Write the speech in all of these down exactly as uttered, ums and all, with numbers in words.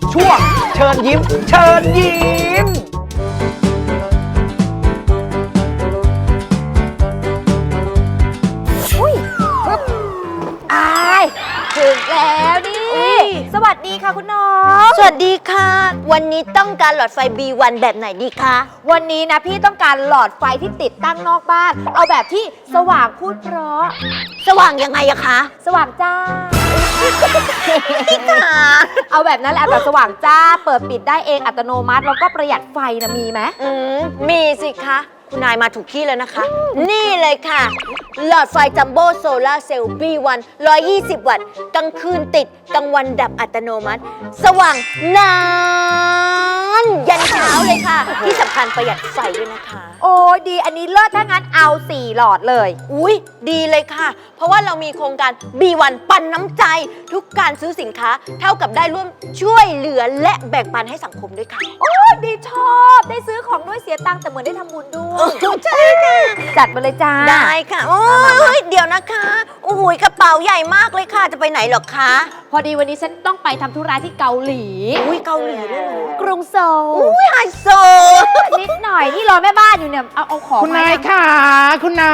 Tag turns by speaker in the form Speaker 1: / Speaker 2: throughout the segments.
Speaker 1: ช่วงเชิญยิ้มเชิญยิ้ม
Speaker 2: อุ้ยอายถึงแล้วนี่สวัสดีค่ะคุณน้อง
Speaker 3: สวัสดีค่ะ วันนี้ต้องการหลอดไฟ บี วัน แบบไหนดีคะ
Speaker 2: วันนี้นะพี่ต้องการหลอดไฟที่ติดตั้งนอกบ้าน เอาแบบที่สว่างพูดเพราะ
Speaker 3: สว่างยังไงอะคะ
Speaker 2: สว่างจ้า
Speaker 3: พี่ค่ะ
Speaker 2: เอาแบบนั้นแหละแบบสว่างจ้า เปิดปิดได้เองอัตโนมัติแล้วก็ประหยัดไฟนะมีไหม
Speaker 3: อืมมีสิคะ คุณนายมาถูกที่แล้วนะคะ นี่เลยค่ะ หลอดไฟจัมโบ้โซลาร์เซลล์ บี วัน หนึ่งร้อยยี่สิบ วัตต์กลางคืนติดกลางวันดับอัตโนมัติ สว่างนานยันเช้าเลยค่ะ ที่สำคัญประหยัดไฟด้วยนะคะ
Speaker 2: โอ้ยดีอันนี้เลิศถ้างั้นเอาสี่หลอดเลย
Speaker 3: อุ๊ย ดีเลยค่ะ เพราะว่าเรามีโครงการ บี วัน ปันน้ำใจ ทุกการซื้อสินค้าเท่ากับได้ร่วมช่วยเหลือและแบ่งปันให้สังคมด้วยค่ะ
Speaker 2: โอ้ยดีชอบได้ซื้อของด้วยเสียตังค์แต่เหมือนได้ทำบุญด้วย
Speaker 3: ใช่ค่ะ
Speaker 2: จัดมาเลยจ้า
Speaker 3: ได้ค่ะ โอ้ยเดี๋ยวนะคะ โอ้โหกระเป๋าใหญ่มากเลยค่ะ จะไปไหนหรอคะ
Speaker 2: พอดีวันนี้ฉันต้องไปทำธุระที่เกาหลี
Speaker 3: อุ้ยเกาหลีด้วยเหรอก
Speaker 2: รุงโซล
Speaker 3: อุ้ยไฮโซ
Speaker 2: นิดหน่อยนี่รอแม่บ้านอยู่เนี่ยเอาเอาของ
Speaker 4: คุณนาย
Speaker 2: ม
Speaker 4: ค่ะ คุณนาย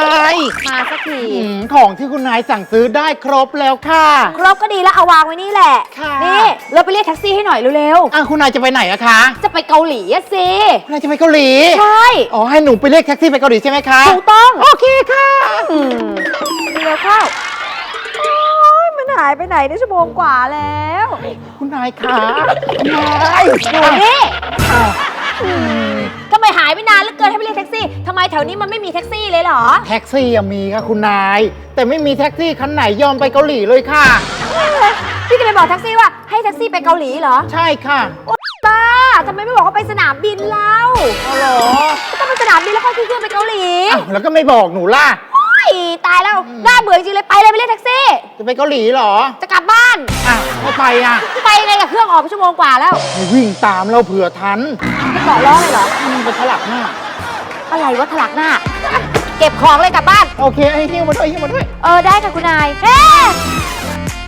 Speaker 2: มาสักที
Speaker 4: อืมของที่คุณนายสั่งซื้อได้ครบแล้วค่ะ
Speaker 2: ครบก็ดีแล้วเอาวางไว้นี่แหละ
Speaker 4: ค่ะ
Speaker 2: นี่เราไปเรียกแท็กซี่ให้หน่อยเร็ว
Speaker 4: อ่ะคุณนายจะไปไหนอะคะ
Speaker 2: ๆจะไปเกาหลีอะสิ
Speaker 4: คุณนายจะไปเกาหลี
Speaker 2: ใช่
Speaker 4: อ๋อให้หนูไปเรียกแท็กซี่ไปเกาหลีใช่ไหมคะ
Speaker 2: ถูกต้อง
Speaker 4: โอเคค่ะ
Speaker 2: อืมเร็วเข้าโอ๊ยมันหายไปไหนได้ชั่วโมงกว่าแล้ว
Speaker 4: คุณนายค่ะคุณนาย
Speaker 2: อยู่นี่
Speaker 4: อ้าว
Speaker 2: ทำไมหายไปนานเหลือเกินให้ไปเรียกแท็กซี่ทำไมแถวนี้มันไม่มีแท็กซี่เลยเหรอ
Speaker 4: แท็กซี่อะมีค่ะคุณนาย แต่ไม่มีแท็กซี่คันไหนยอมไปเกาหลีเลยค่ะ
Speaker 2: พี่จะไปบอกแท็กซี่ว่าให้แท็กซี่ไปเกาหลีเหรอ
Speaker 4: ใช่ค่ะ
Speaker 2: บ้าทำไมไม่บอกว่าไปสนามบินเล่า
Speaker 4: เอาเหรอ
Speaker 2: ก็ต้องไปสนามบินแล้วค่อยขึ้นเครื่องไปเกาหลี
Speaker 4: อ้าวแล้วก็ไม่บอกหนูล่ะ
Speaker 2: โอ้ยตายแล้วน่าเบื่อจริงเลยไปเลยไปเรียกแท็กซี่
Speaker 4: จะไปเกาหลีเหรอ
Speaker 2: จะกลับบ้าน
Speaker 4: อ่ะไม่ไปอ่ะ
Speaker 2: ไปยังไงกับเครื่องออกไปชั่วโมงกว่าแล้ว
Speaker 4: ให้วิ่งตามเราเผื่อทัน
Speaker 2: ไม่เกาะล้อเลยเหรอ
Speaker 4: มันไปถลักหน้า
Speaker 2: อะไรวะถลักหน้า เก็บของเลยกลับบ้าน
Speaker 4: โอเคให้หิ้วมาด้วยหิ้วมาด้วย
Speaker 2: เออได้ค่ะคุณนายเฮ้